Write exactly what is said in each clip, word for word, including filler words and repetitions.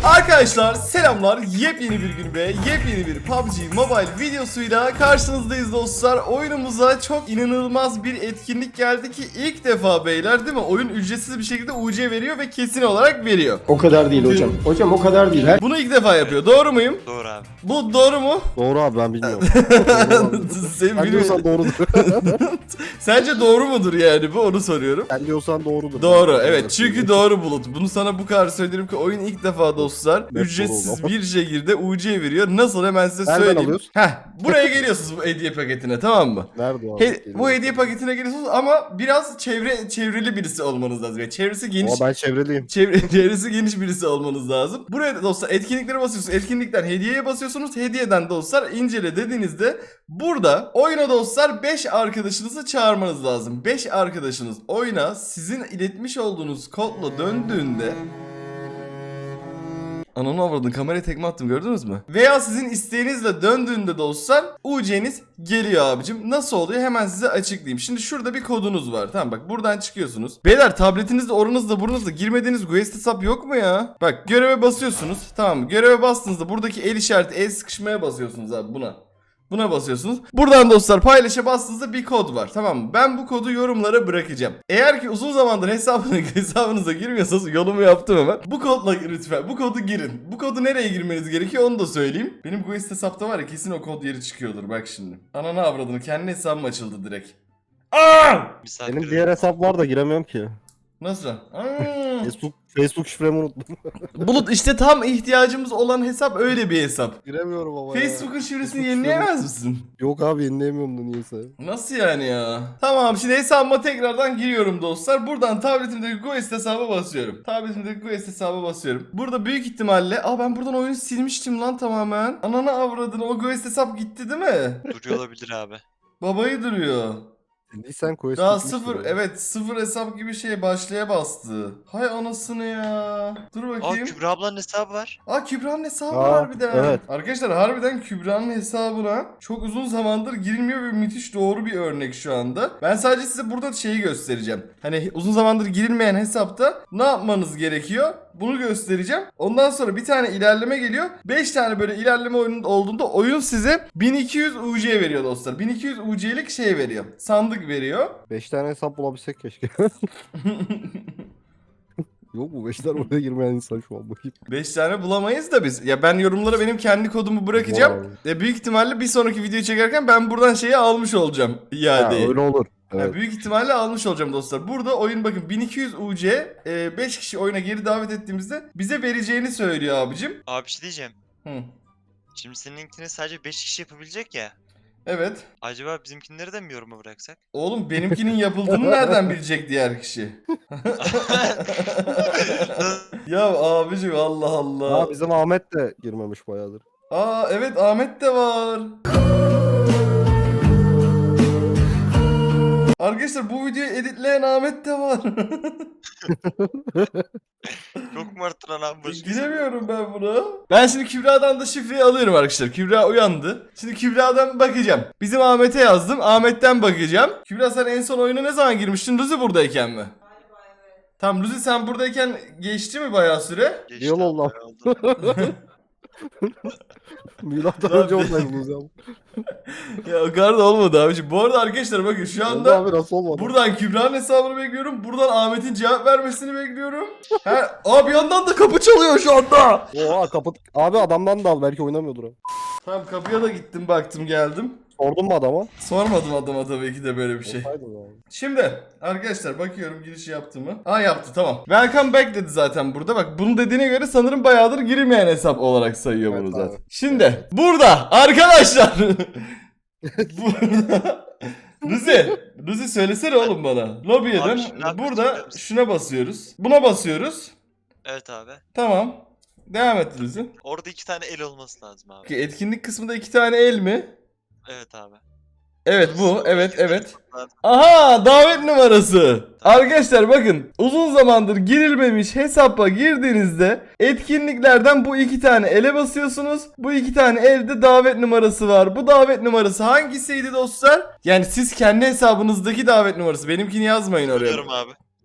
Arkadaşlar selamlar, yepyeni bir gün ve yepyeni bir P U B G Mobile videosuyla karşınızdayız dostlar. Oyunumuza çok inanılmaz bir etkinlik geldi ki ilk defa beyler, değil mi? Oyun ücretsiz bir şekilde U C veriyor ve kesin olarak veriyor. O kadar değil hocam. Hocam o kadar değil. Her... Bunu ilk defa yapıyor, doğru muyum? Doğru abi. Bu doğru mu? Doğru abi, ben bilmiyorum. Sen Sen diyorsan doğrudur. Sence doğru mudur yani, bu onu soruyorum. Sen diyorsan doğrudur. Doğru, evet, çünkü doğru Bulut. Bunu sana bu kadar söylerim ki oyun ilk defa dostlar Net ücretsiz doğru. bir şekilde U C veriyor. Nasıl, hemen size Nereden söyleyeyim. alıyoruz? Heh, buraya geliyorsunuz bu hediye paketine, tamam mı? Nerede o abi? He, bu hediye paketine geliyorsunuz ama biraz çevre çevreli birisi olmanız lazım. Yani çevresi geniş. Ama ben çevreliyim. Çevre, çevresi geniş birisi olmanız lazım. Buraya da dostlar etkinliklere basıyorsunuz. Etkinlikten hediyeye basıyorsunuz. Hediyeden dostlar incele dediğinizde burada oyuna dostlar beş arkadaşınızı çağırmanız lazım. beş arkadaşınız oyuna sizin iletmiş olduğunuz kodla döndüğünde... Ananı avradın, kameraya tekme attım, gördünüz mü? Veya sizin isteğinizle döndüğünde dostlar U C'niz geliyor abicim. Nasıl oluyor hemen size açıklayayım. Şimdi şurada bir kodunuz var, tamam, bak buradan çıkıyorsunuz. Beyler tabletinizde, oranızda, burnunuzda girmediğiniz Guest hesap yok mu ya? Bak göreve basıyorsunuz, tamam mı? Göreve bastığınızda buradaki el işareti, el sıkışmaya basıyorsunuz abi, buna. Buna basıyorsunuz. Buradan dostlar paylaşa bastığınızda bir kod var, tamam mı? Ben bu kodu yorumlara bırakacağım. Eğer ki uzun zamandır hesabına, hesabınıza girmiyorsanız yolumu yaptım hemen. Bu kodla lütfen bu kodu girin. Bu kodu nereye girmeniz gerekiyor onu da söyleyeyim. Benim bu hesapta var ya, kesin o kod yeri çıkıyordur bak şimdi. Ananı avradını, kendi hesabım açıldı direkt. Aa! Benim diğer hesap var da giremiyorum ki. Nasıl? Aa! Facebook, Facebook şifremi unuttum. Bulut, işte tam ihtiyacımız olan hesap öyle bir hesap. Giremiyorum ama ya. Facebook'un şifresini Facebook yenileyemez misin? Yok abi, yenileyemiyorum da niyeyse. Nasıl yani ya? Tamam, şimdi hesabıma tekrardan giriyorum dostlar. Buradan tabletimdeki Guest hesaba basıyorum. Tabletimdeki Guest hesaba basıyorum. Burada büyük ihtimalle... Aa, ben buradan oyunu silmiştim lan tamamen. Ananı avradını, o Guest hesap gitti değil mi? Duruyor olabilir abi. Babayı duruyor. Sen Quest Daha bitmiştir sıfır, ya. evet, sıfır hesap gibi şey başlaya bastı. Hay anasını ya. Dur Aa, bakayım. Kübra ablanın hesabı var. Aa, Kübra'nın hesabı Aa, var bir de. evet. Arkadaşlar harbiden Kübra'nın hesabına çok uzun zamandır girilmiyor ve müthiş doğru bir örnek şu anda. Ben sadece size burada şeyi göstereceğim. Hani uzun zamandır girilmeyen hesapta ne yapmanız gerekiyor? Bunu göstereceğim. Ondan sonra bir tane ilerleme geliyor. beş tane böyle ilerleme oyunun olduğunda oyun size bin iki yüz U C veriyor dostlar. bin iki yüz U C'lik şey veriyor. Sandık veriyor. beş tane hesap bulabilsek keşke. Yok mu beş tane oraya girmeyen insan şu an bakayım. beş tane bulamayız da biz. Ya ben yorumlara benim kendi kodumu bırakacağım. Wow. E büyük ihtimalle bir sonraki videoyu çekerken ben buradan şeyi almış olacağım. Ha, İadeyi. öyle olur. Ya Evet. büyük ihtimalle almış olacağım dostlar. Burada oyun bakın bin iki yüz U C, e, beş kişi oyuna geri davet ettiğimizde bize vereceğini söylüyor abicim. Abi bir şey diyeceğim. Hı. Şimdi seninkini sadece beş kişi yapabilecek ya. Evet. Acaba bizimkinleri de mi yoruma bıraksak? Oğlum benimkinin yapıldığını nereden bilecek diğer kişi? Ya abicim, Allah Allah. Aa, bizim Ahmet de girmemiş bayağıdır. Aa evet, Ahmet de var. Arkadaşlar bu videoyu editleyen Ahmet de var. Çok mu arttıran abi başı? Giremiyorum ben buna. Ben şimdi Kübra'dan da şifreyi alıyorum arkadaşlar. Kübra uyandı. Şimdi Kübra'dan bakacağım. Bizim Ahmet'e yazdım. Ahmet'ten bakacağım. Kübra, sen en son oyuna ne zaman girmiştin? Luzi buradayken mi? Tamam Luzi, sen buradayken geçti mi bayağı süre? Geçti Yol abi, oldu. bayağı oldu. Milattan Lan önce bir- olsaydınız ya. Ya o kadar da olmadı abiciğim. Bu arada arkadaşlar bakın şu Oldu anda abi, nasıl olmadı? buradan Kübra'nın hesabını bekliyorum. Buradan Ahmet'in cevap vermesini bekliyorum. Ha, aa, bir yandan da kapı çalıyor şu anda. Oha, kapat. Abi adamdan da al, belki oynamıyordur o. Tamam, kapıya da gittim, baktım, geldim. Sordun mu adama? Sormadım adama tabii ki de böyle bir şey. Olsaydın yani. Şimdi arkadaşlar bakıyorum girişi yaptı mı? Aa, yaptı, tamam. Welcome back dedi zaten burada. Bak bunu dediğine göre sanırım bayağıdır girilmeyen hesap olarak sayıyor Evet bunu abi. zaten. Şimdi burada arkadaşlar. Burada. Luzi, Luzi söylesene oğlum bana. Lobiye Abi dön. şimdi ne yapıyoruz Burada biliyor musun? şuna basıyoruz. Buna basıyoruz. Evet abi. Tamam. Devam et Luzi. Orada iki tane el olması lazım abi. Ki etkinlik kısmında iki tane el mi? Evet abi. Evet bu. Evet İki evet. tane- Aha, davet numarası. Arkadaşlar bakın, uzun zamandır girilmemiş hesaba girdiğinizde etkinliklerden bu iki tane ele basıyorsunuz. Bu iki tane elde davet numarası var. Bu davet numarası hangisiydi dostlar? Yani siz kendi hesabınızdaki davet numarası. Benimkini yazmayın oraya. Söylüyorum abi.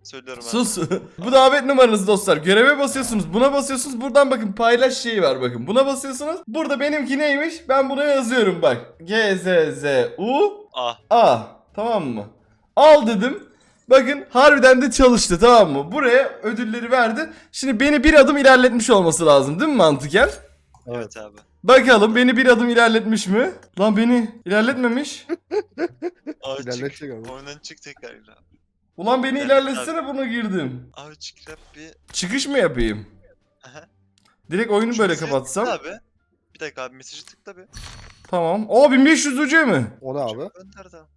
Söylüyorum ben. Sus. Bu davet numaranız dostlar. Göreve basıyorsunuz. Buna basıyorsunuz. Buradan bakın paylaş şeyi var bakın. Buna basıyorsunuz. Burada benimki neymiş? Ben buna yazıyorum bak. G Z Z U Ah. A. Tamam mı? Al dedim. Bakın harbiden de çalıştı, tamam mı? Buraya ödülleri verdi. Şimdi beni bir adım ilerletmiş olması lazım değil mi mantıken? Evet abi. Bakalım beni bir adım ilerletmiş mi? Lan beni ilerletmemiş. Abi İlerletecek çık. abi. Oyundan çık tekrar yine abi. Ulan beni Evet, ilerletsene, buna girdim. Abi çık yap bir. Çıkış mı yapayım? Aha. Direkt oyunu Şu böyle mesajı kapatsam. tıkla Abi. Bir dakika abi mesajı tıkla bir. Tamam. O bin beş yüz ucu mi? O ne abi? Gönder tamam.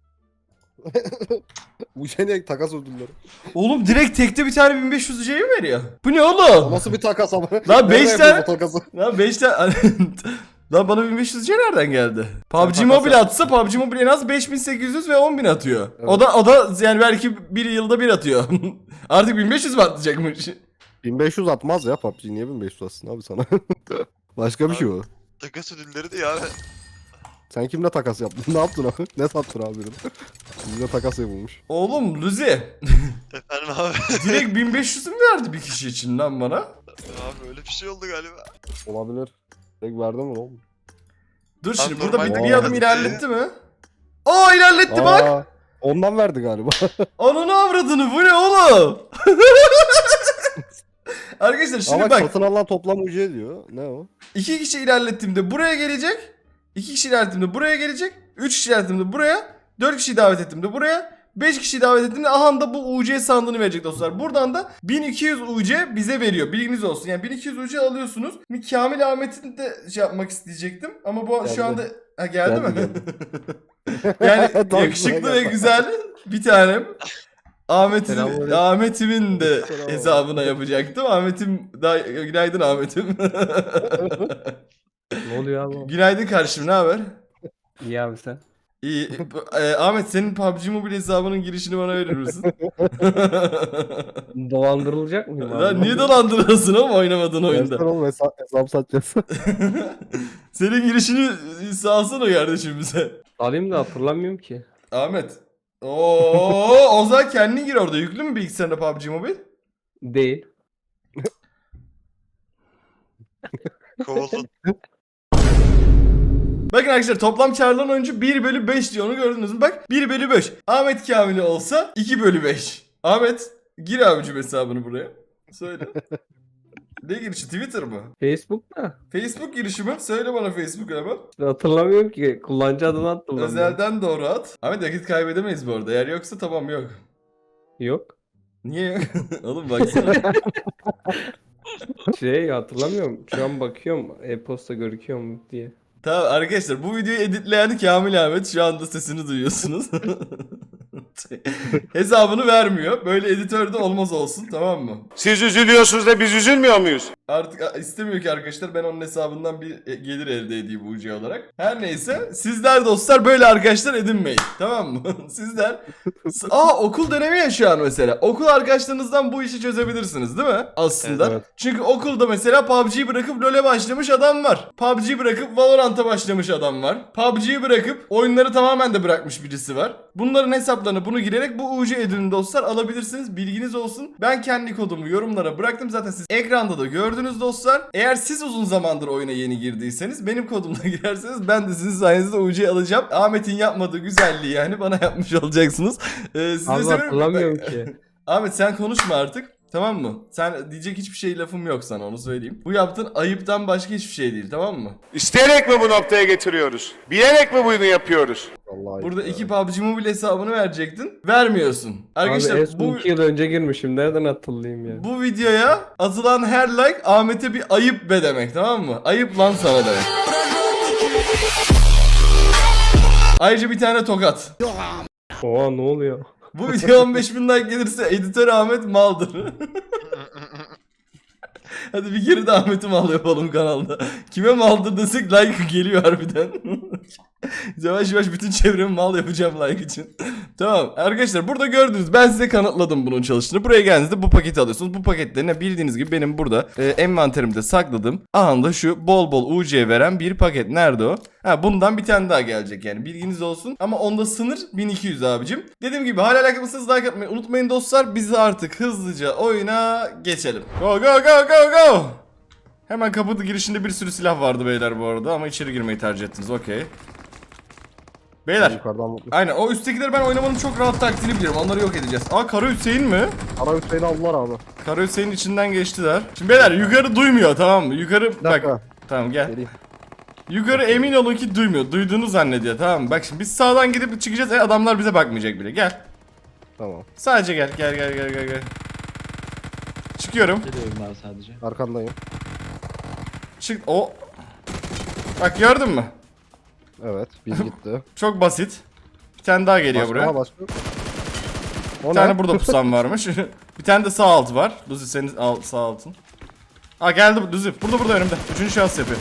Bu şey ne takas ödülleri. Oğlum direkt tekte bir tane bin beş yüz ucuyu mu veriyor? Bu ne O oğlum? nasıl bir takas ama? Lan beş Nereden tane- yapıyorsun o takası? Lan beş tane... Lan bana bin beş yüz ucu nereden geldi? P U B G takas Mobile yap. atsa P U B G Mobile en az beş bin sekiz yüz ve on bin atıyor. Evet. O da o da yani belki bir yılda bir atıyor. Artık bin beş yüz mi atacakmış? bin beş yüz atmaz ya P U B G. Niye bin beş yüz atsın abi sana? Başka bir şey o. Takas ödülleri de ya abi. Sen kimle takas yaptın? Ne yaptın abi? Ne sattın abi? Bizde takas yapılmış. Oğlum Luzi Efendim abi. direkt bin beş yüz mü verdi bir kişi için lan bana? Abi öyle bir şey oldu galiba. Olabilir. Tek verdi mi oğlum? Dur şimdi Abi burada bir, normalde bir adım yani- ilerletti mi? Aa ilerletti bak. Aa, ondan verdi galiba. Ananı avradını, bu ne oğlum? Arkadaşlar şimdi Ama bak, satın alınan toplam ücret diyor. Ne o? iki kişi ilerlettiğimde buraya gelecek. iki kişi ilerlettiğimde buraya gelecek. üç kişi ilerlettiğimde buraya. dört kişi davet ettiğimde buraya. beş kişi davet ettiğimde aha da bu U C sandığını verecek dostlar. Buradan da bin iki yüz U C bize veriyor. Bilginiz olsun. Yani bin iki yüz U C alıyorsunuz. Bir Kamil Ahmet'in de şey yapmak isteyecektim. Ama bu Geldi. şu anda ha, geldi, Geldi, mi? geldi. Yani Tam yakışıklı güzel ve geldi. güzel bir tanem. Ahmet'in, Selamünaleyküm. Ahmet'imin de Selam. hesabına yapacaktım. Ahmet'im da günaydın Ahmet'im. Ne oluyor abi? Günaydın kardeşim, ne haber? İyi abi sen. İyi. Bu- e, Ahmet senin P U B G Mobile hesabının girişini bana verir misin? Dolandırılacak mıyım abi? Lan niye dolandırıyorsun oğlum oynamadığın Versene oyunda? oğlum hesap, hesap satacağız. Senin girişini sağlasana kardeşim bize. Alayım da hatırlamıyorum ki. Ahmet. Oo, o zaman kendin gir orada. Yüklü mü bilgisayarında P U B G Mobile? Değil. Kovuldun. Bakın arkadaşlar toplam çağrılan oyuncu bir bölü beş diyor, onu gördünüz mü? Bak bir bölü beş. Ahmet Kamil'i olsa iki bölü beş. Ahmet gir abicim hesabını buraya. Söyle. Ne girişi, Twitter mı? Facebook da. Facebook girişi mi? Söyle bana Facebook hemen. İşte hatırlamıyorum ki. Kullanıcı adını hatırlamıyorum. Özelden doğru at. Ahmet vakit kaybedemeyiz bu arada. Eğer yoksa tamam, yok. Yok. Niye yok? Oğlum baksana. Şey hatırlamıyorum. Şu an bakıyorum e-posta görüküyor mu diye. Tamam arkadaşlar, bu videoyu editleyen Kamil Ahmet, şu anda sesini duyuyorsunuz. Hesabını vermiyor. Böyle editör de olmaz olsun, tamam mı? Siz üzülüyorsunuz da biz üzülmüyor muyuz? Artık a- istemiyor ki arkadaşlar ben onun hesabından bir e, gelir elde edeyim U C olarak. Her neyse, sizler dostlar böyle arkadaşlar edinmeyin. Tamam mı? Sizler S- Aa, okul dönemi ya şu an mesela. Okul arkadaşlarınızdan bu işi çözebilirsiniz değil mi? Aslında. Evet. Çünkü okulda mesela P U B G'yi bırakıp LoL'e başlamış adam var. P U B G'yi bırakıp Valorant'a başlamış adam var. P U B G'yi bırakıp oyunları tamamen de bırakmış birisi var. Bunların hesaplarını bunu girerek bu U C ödülünü dostlar alabilirsiniz. Bilginiz olsun. Ben kendi kodumu yorumlara bıraktım. Zaten siz ekranda da gördünüz dostlar. Eğer siz uzun zamandır oyuna yeni girdiyseniz benim kodumla girerseniz ben de sizin sayenizde U C'yi alacağım. Ahmet'in yapmadığı güzelliği yani bana yapmış olacaksınız. Ee, size Abi severim. hatırlamıyorum ki. Ahmet sen konuşma artık. Tamam mı? Sen diyecek hiçbir şey lafım yok sana, onu söyleyeyim. Bu yaptığın ayıptan başka hiçbir şey değil, tamam mı? İsteyerek mi bu noktaya getiriyoruz? Bilerek mi bunu yapıyoruz? Vallahi Burada ya. iki P U B G Mobile hesabını verecektin. Vermiyorsun. Arkadaşlar Abi en son bu iki yıl önce girmişim. Nereden hatırlayayım ya? bu videoya atılan her like Ahmet'e bir ayıp be demek, tamam mı? Ayıp lan sana demek. Ayrıca bir tane tokat. Oha ne oluyor? Bu video on beş bin like gelirse editör Ahmet maldır. Hadi bir kere de Ahmet'i mal yapalım kanalda. Kime maldır desek like geliyor harbiden. Yavaş yavaş bütün çevremi mal yapacağım like için. Tamam arkadaşlar, burada gördünüz, ben size kanıtladım bunun çalıştığını. Buraya geldiğinizde bu paketi alıyorsunuz. Bu paketlerine bildiğiniz gibi benim burada e, envanterimde sakladım. Anında şu bol bol U C veren bir paket. Nerede o? Ha, bundan bir tane daha gelecek yani, bilginiz olsun. Ama onda sınır bin iki yüz abicim. Dediğim gibi hala like yapmışsınız, like atmayı unutmayın dostlar. Biz artık hızlıca oyuna geçelim. Go go go go go. Hemen kapı girişinde bir sürü silah vardı beyler bu arada, ama içeri girmeyi tercih ettiniz. Okey. Beyler. Yukarıdan mutlu. Aynen, o üsttekileri ben oynamanın çok rahat taktiğini biliyorum. Onları yok edeceğiz. Aa, Kara Hüseyin mi? Ara Hüseyin'i aldılar abi. Kara Hüseyin'in içinden geçtiler. Şimdi beyler yukarı duymuyor, tamam mı? Yukarı Bir bak. dakika. Tamam gel. Geleyim. Yukarı emin olun ki duymuyor. Duyduğunu zannediyor, tamam mı? Bak şimdi biz sağdan gidip çıkacağız. E, adamlar bize bakmayacak bile. Gel. Tamam. Sadece gel. Gel gel gel gel gel. Çıkıyorum. Geliyorum abi sadece. Arkandayım. Çık. O. Bak gördün mü? Evet. Bir gitti. Çok basit. Bir tane daha geliyor Başka, buraya. ha, başka. O Bir tane burada pusan varmış. Bir tane de sağ altı var. Luzi senin al, sağ altın. Aa geldi Luzi. Burada burada önümde. Üçüncü şahıs yapıyor.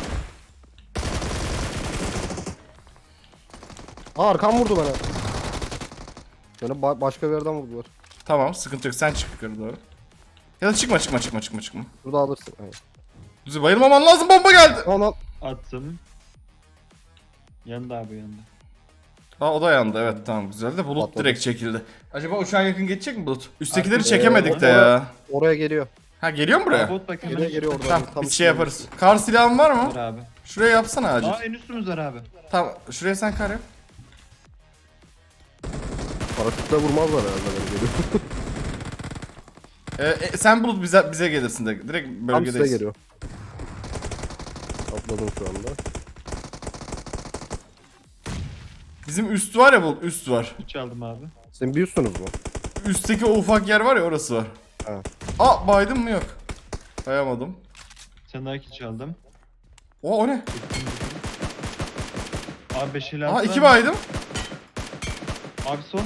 Aa, arkam vurdu bana. Beni ba- başka bir yerden vurdular. Tamam, sıkıntı yok. Sen çık yukarı doğru. Ya da çıkma çıkma çıkma çıkma çıkma. Burada alırsın. Hayır. Luzi bayılmaman lazım, bomba geldi. Ona Attım. Yanında abi yanında. Aa, o da yandı, evet tamam, güzel de Bulut Patladı. direkt çekildi. Acaba uçağa yakın geçecek mi Bulut? Üsttekileri Artık- çekemedik de Ee, ya. oraya geliyor. Ha, geliyor mu buraya? Bot bak hemen. Geliyor geliyor oradan. Tamam, Tam bir şey üstüne. yaparız. Kar silahın var mı? Var abi. Şuraya yapsana acil. Aa en üstümüz var abi. Tamam, şuraya sen kar yap. Paraşütle vurmazlar herhalde beni geliyor. Ee, e, sen Bulut bize bize gelirsin de direkt Tam bölgedeyiz. size geliyor. Atladım şu anda. Bizim üst var ya Bulut, üst var. Üç aldım abi. Senin bir üstünüz mü? Üstteki o ufak yer var ya, orası var. Ha. Aa, baydım mı? Yok. Bayamadım. Sen daha iki çaldım. O o ne? Abi beş ile Aa, iki baydım. Abi son.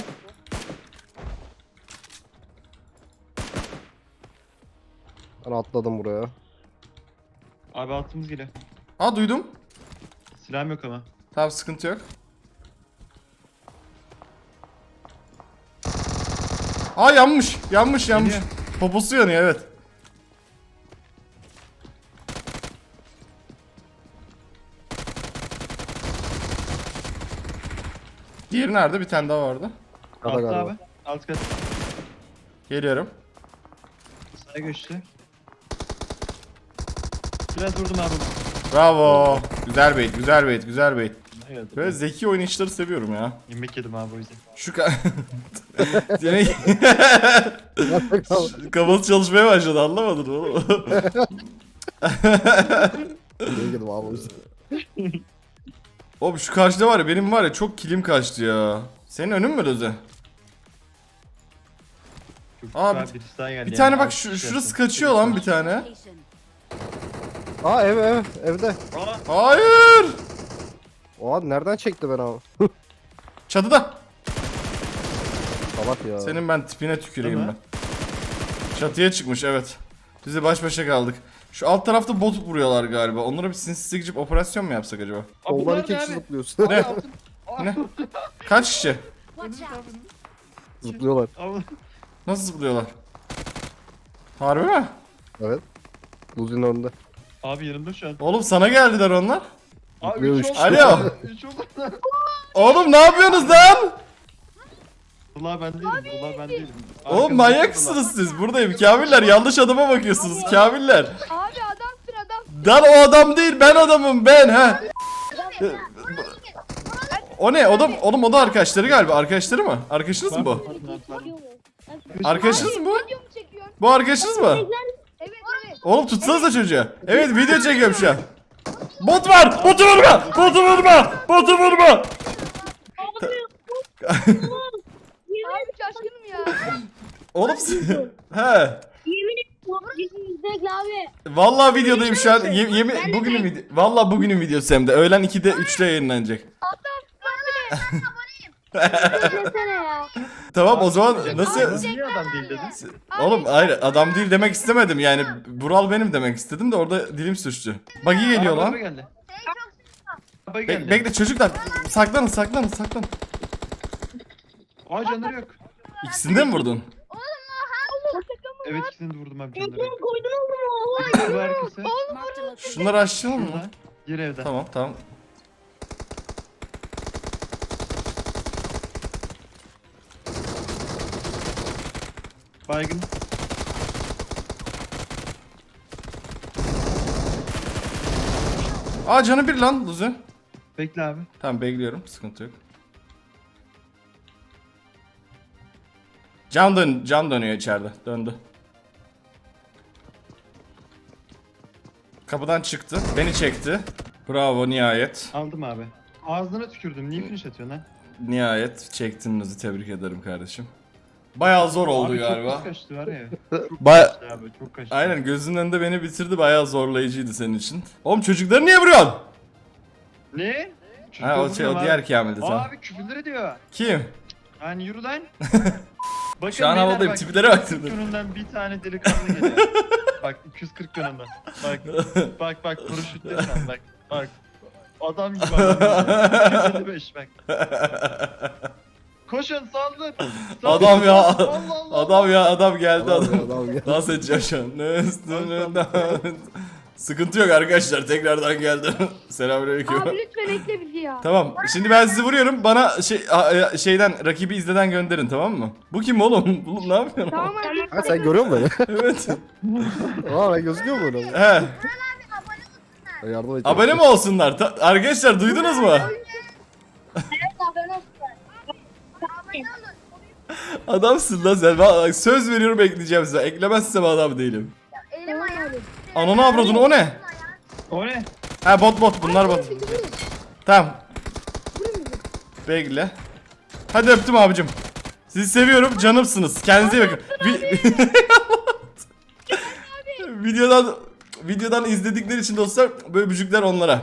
Ben atladım buraya. Abi altımız geliyor. Aa, duydum. Silahım yok ama. Tamam, sıkıntı yok. Aa, yanmış. Yanmış yanmış. Geliyor. Poposu yanıyor, evet. Diğeri nerede? Bir tane daha vardı. Kata Altta galiba. abi. Alt kat. Geliyorum. Sağa göçtü. Biraz vurdum abi. Bravo. Güzel bait, güzel bait, güzel bait. Ne geldi? Böyle zeki oynayışları seviyorum ya. Yemek yedim abi o yüzden. Şu ka... Yemek... Kafası çalışmaya başladı, anlamadın mı oğlum? Nereye gidelim abi o yüzden. Oğlum şu karşıda var ya, benim var ya çok kilim kaçtı ya. Senin önün mü Löze? Çok Abi, güzel birisi daha geldi Bir yani. tane bak Altı şu, kişi şurası yaptım. kaçıyor lan bir tane. Aa, ev ev evde. Aa, Hayır. Oha, nereden çekti beni abi? Çatıda. Salak ya. Senin ben tipine tüküreyim Değil ben. mi? Çatıya çıkmış, evet. Biz de baş başa kaldık. Şu alt tarafta bot vuruyorlar galiba. Onlara bir sinsi gidip operasyon mu yapsak acaba? Abi Koldan bunlar iki ne kişi abi? zıplıyorsun. Ne? Ne? Kaç kişi? Zıplıyorlar. Abi, Nasıl zıplıyorlar? Harbi mi? Evet. Luzi'nin önünde. abi yanımda şu an. Oğlum sana geldiler onlar. Abi Zıplıyor üç üç oldu. kişi. Alo. üç oldu. Oğlum ne yapıyorsunuz lan? Ulan ben değilim. Ulan ben değilim. Oğlum Arkamda manyak ulan. mısınız siz? Buradayım. Kamiller, yanlış adama bakıyorsunuz. Kamiller. Abi adamsın adam. Lan o adam değil, ben adamım ben ha. O ne? O da, oğlum o da arkadaşları galiba. Arkadaşları mı? Arkadaşınız mı bu? Pardon, pardon. Arkadaşınız mı bu? Video mu çekiyorsun? Bu arkadaşınız mı? Evet evet. Oğlum tutsanıza çocuğa. Evet, video çekiyorum şu an. Bot var! Botu vurma! Botu vurma! Botu vurma! Abi şaşkınım ya. Oğlum siz... He. Yemin ederim izle abi. Vallahi videodayım şu an. Ye- yemin bugünün video. Vallahi bugünün videosu hem de. Öğlen ikide üçte yayınlanacak. İzlesene ya. Tamam, o zaman nasıl... Niye adam değil dedin? Oğlum hayır, adam değil demek istemedim yani. Bural benim demek istedim de orada dilim sürçtü. Buggy geliyor Araba lan. geldi. Abi Be- geldi. bekle çocuklar. Saklanın saklanın saklanın. Aa canları yok. İkisini de mi vurdun? Evet ikisini de vurdum abi canları yok. Koydun oğlum o. İkisi var arkası. Şunları açalım mı? Şurada. Diğer evde. Tamam tamam. Baygın. Aa canı bir lan Luzu. Bekle abi. Tamam bekliyorum sıkıntı yok. Can dön can dönüyor içeride. Döndü. Kapıdan çıktı. Beni çekti. Bravo nihayet. Aldım abi. Ağzına tükürdüm. Niye finish atıyorsun lan? Nihayet çektiğinizi tebrik ederim kardeşim. Bayağı zor oldu abi galiba. çok kaçtı var ya. Çok Baya- kaçtı abi çok kaçtı. Aynen gözünün önünde beni bitirdi. Bayağı zorlayıcıydı senin için. Oğlum çocukları niye vuruyorsun? Ne? Ha o şey o diğer Kamil'di tamam. Abi küfürler ediyor. Kim? Hani yürü lan. Bakın Şu an beyler havadayım, bak, tiplere bak. iki yüz kırk yönünden bir tane delikanlı geliyor. Bak iki yüz kırk yönünden. Bak bak bak paraşütle sen bak. Bak. Adam gibi adam. iki yüz elli beş bak. Koşun saldır. saldır. Adam ya. Allah Allah. Adam ya adam geldi Adam, adam. adam geldi. Dans edeceğim şu an. Ne üstünden. Sıkıntı yok arkadaşlar tekrardan geldim. Selamünaleyküm. Abi lütfen ekle bizi ya. Tamam. Şimdi ben sizi vuruyorum. Bana şey a- şeyden rakibi izleden gönderin tamam mı? Bu kim oğlum? Bu ne yapıyorsun? Tamam abi. Ha sen görüyor musun beni? Evet. Aa ben gözüküyor mu öyle? He. Ben yardım edeceğim. Abone mi olsunlar? Ta- arkadaşlar duydunuz mu? Evet abone olsun. Adamsın lan sen. Bak, söz veriyorum ekleyeceğim size. Eklemezsem adam değilim. Ananı avradın o ne? O ne? Ha bot bot bunlar bot. Tamam. Bekle. Hadi öptüm abicim. Sizi seviyorum canımsınız. Kendinize iyi bakın. Vi- videodan videodan izledikleri için dostlar böyle bücükler onlara.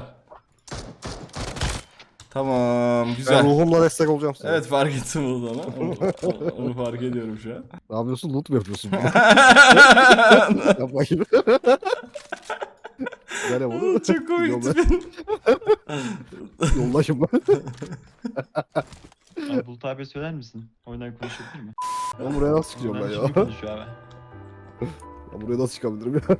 Tamam Ben güzel. ruhumla destek olacağım size. Evet fark ettim onu da ama. Onu, onu fark ediyorum şu an. Ne yapıyorsun? Loot mu yapıyorsun? Yap bakayım. Güzel yap onu. Çok komik Yolla- tipin. Yollaşım ben. Abi Bulut abi söyler misin? Oyundan konuşabilir mi? Ben buraya nasıl çıkacağım ben Oyundan ya? şimdi konuşuyor abi. Ben buraya nasıl çıkabilirim ya?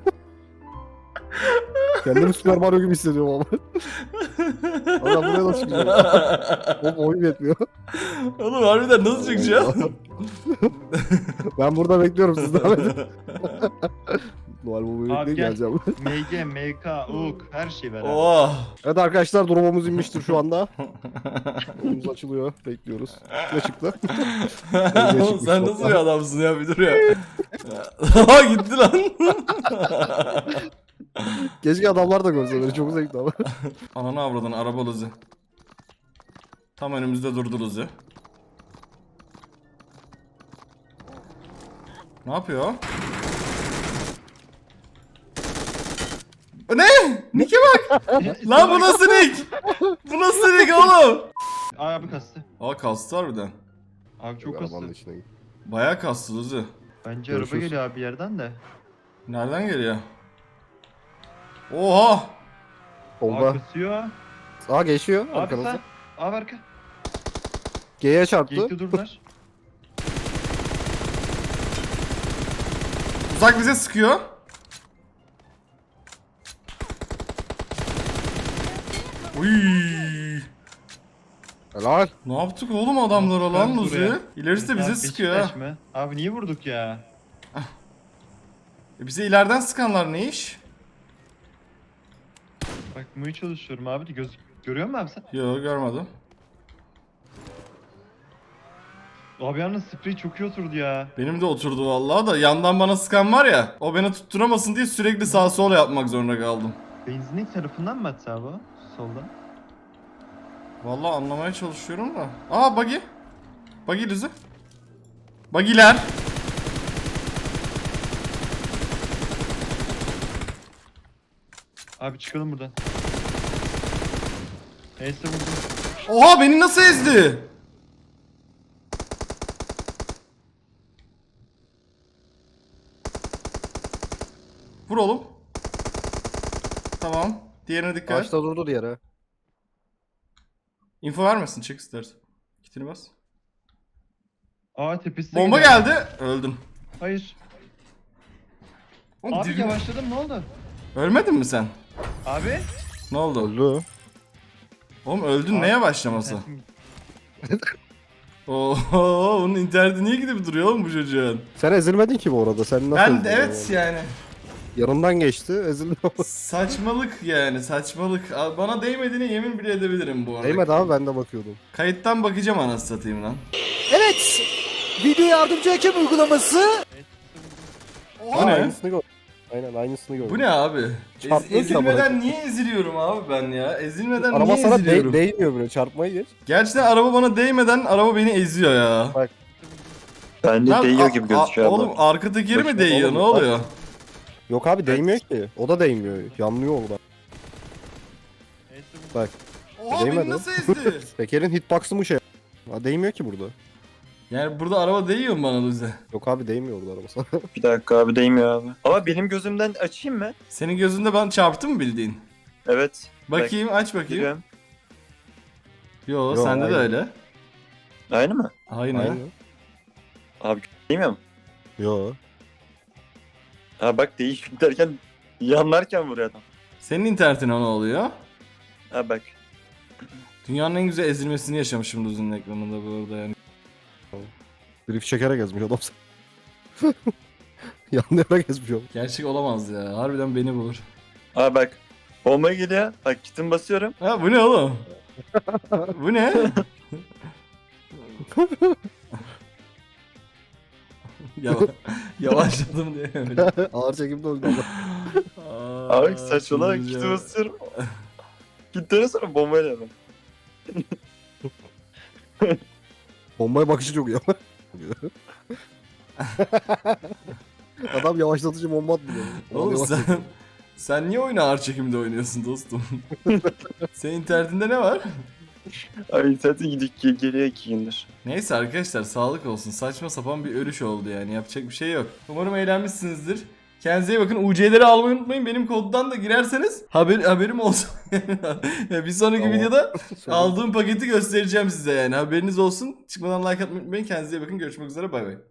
Kendimi Super Mario gibi hissediyorum ama. Ama ben buraya nasıl çıkacağım? Oğlum oyun yetmiyor. Oğlum harbiden nasıl çıkacağım? Ben burada bekliyorum siz devam edin. Noel Baba'yı Abi bekleyip gel. geleceğim. M G, M K, U K her şey ver abi. Oh. Evet arkadaşlar durumumuz inmiştir şu anda. Durumumuz açılıyor. Bekliyoruz. Ne çıktı? Oğlum sen nasıl bir adamsın ya bir dur ya. Aa gitti lan. Keşke adamlar da görse beni çok zevkli ama. Ananı avradın araba Luzi. Tam önümüzde durdu Luzi. Ne yapıyor o? Ne? Nick'e bak. Lan bu nasıl Nick? Bu nasıl Nick oğlum? Ay abi kastı. Aa kastı harbiden. Abi çok Arabanın kastı. içine git. Bayağı kastı Luzi. Bence Görüşürüz. araba geliyor abi bir yerden de. Nereden geliyor? Oha! Abi Solda. kasıyor. Aa geçiyor Abi arkanızda. sen. Abi arka. G'ye çarptı. Geyikte durdular. Uzak bize sıkıyor. Uy. Helal. Ne yaptık oğlum adamlara lan Ben Luzi? buraya. İlerisi de bize Abi sıkıyor Beşiktaş ha. mı? Abi niye vurduk ya? E bize ileriden sıkanlar ne iş? Bakmaya çalışıyorum abi de göz görüyor musun abi sen? Yo görmedim. Abi yalnız sprey çok iyi oturdu ya. Benim de oturdu vallahi da yandan bana sıkan var ya. O beni tutturamasın diye sürekli sağ sol yapmak zorunda kaldım. Benzinlik tarafından mı atsa abi o? Soldan. Vallahi anlamaya çalışıyorum da. Aa buggy. Buggy Luzi. Buggy'ler. Abi çıkalım buradan. Neyse vurdum. Oha beni nasıl ezdi? Vur oğlum. Tamam. Diğerine dikkat. Ağaçta durdu diğeri. Info vermesin, çık istersen. Kitini bas. Aa tepesi Bomba geliyor. geldi. Öldüm. Hayır. Oğlum, Abi dibim- yavaşladım ne oldu? Ölmedin mi sen? Abi. Ne oldu? Öldü. Oğlum öldün, Abi, neye başlaması? Oo, onun interneti niye gidip duruyor oğlum bu çocuğun? Sen ezilmedin ki bu arada. Sen nasıl Ben de ezildin evet yani? yani. Yanından geçti, ezildi. Saçmalık yani, saçmalık. Abi bana değmediğine yemin bile edebilirim bu arada. Değmedi abi, ben de bakıyordum. Kayıttan bakacağım anasını satayım lan. Evet. Video yardımcı hakem uygulaması. Bu ne? Aynısını gör. Aynen aynısını gördüm. Bu ne abi? Ez- Çarpmıyor ki ezilmeden amına. niye eziliyorum abi ben ya? Ezilmeden Araba niye sana eziliyorum? de- değmiyor bile, çarpmayı geç. Gerçekten araba bana değmeden araba beni eziyor ya. Bence Lan, değiyor a- gibi a- gözüküyor abi. Oğlum arka tekeri mi Bakayım, değiyor? oğlum, Ne oluyor? Yok abi değmiyor ki. O da değmiyor. Yanlıyor orada. Bak. Oha beni Değmedi. nasıl ezdi? Tekerin hitbox'ı mı şey? Ha, değmiyor ki burada. Yani burada araba değiyor mu bana Luze? Yok abi değmiyor orada araba sana. Bir dakika abi değmiyor abi. Ama benim gözümden açayım mı? Senin gözünde ben çarptım mı bildiğin? Evet. Bakayım, aç bakayım. Giriyorum. Yo, Yo, sende de aynı. öyle. Aynı mı? Aynen. Aynı. Abi değmiyor mu? Yo. Ha bak değiş derken yanlarken vuruyor adam. Senin internetine ne oluyor? Ha bak. Dünyanın en güzel ezilmesini yaşamışım Luze'nin ekranında bu arada yani. Drift çekerek gezmiş adam sen. Yanlayarak gezmiş oğlum. Gerçek olamaz ya. Harbiden beni bulur. Ha bak. Bomba geliyor. Bak kitim basıyorum. Ha bu ne oğlum? Bu ne? Yava yavaşladım diye öyle. Ağır çekimde öldü adam. Aa, Abi saçmalama şimdi kiti ya. basıyorum. Kitleri sonra bombayla ben. Bombaya bakışı çok iyi ama. Adam yavaşlatıcı bomba atmıyor. Oğlum Yavaş sen, çekiyor. sen niye oyunu ağır çekimde oynuyorsun dostum? Senin internetinde ne var? Ay zaten gidip gel- geliyor iki gündür. Neyse arkadaşlar, sağlık olsun. Saçma sapan bir ölüş oldu yani. Yapacak bir şey yok. Umarım eğlenmişsinizdir. Kendinize iyi bakın. U C'leri almayı unutmayın. Benim koddan da girerseniz haber, haberim olsun. Bir sonraki Tamam. videoda Söyle. aldığım paketi göstereceğim size yani. Haberiniz olsun. Çıkmadan like atmayı unutmayın. Kendinize iyi bakın. Görüşmek üzere. Bay bay.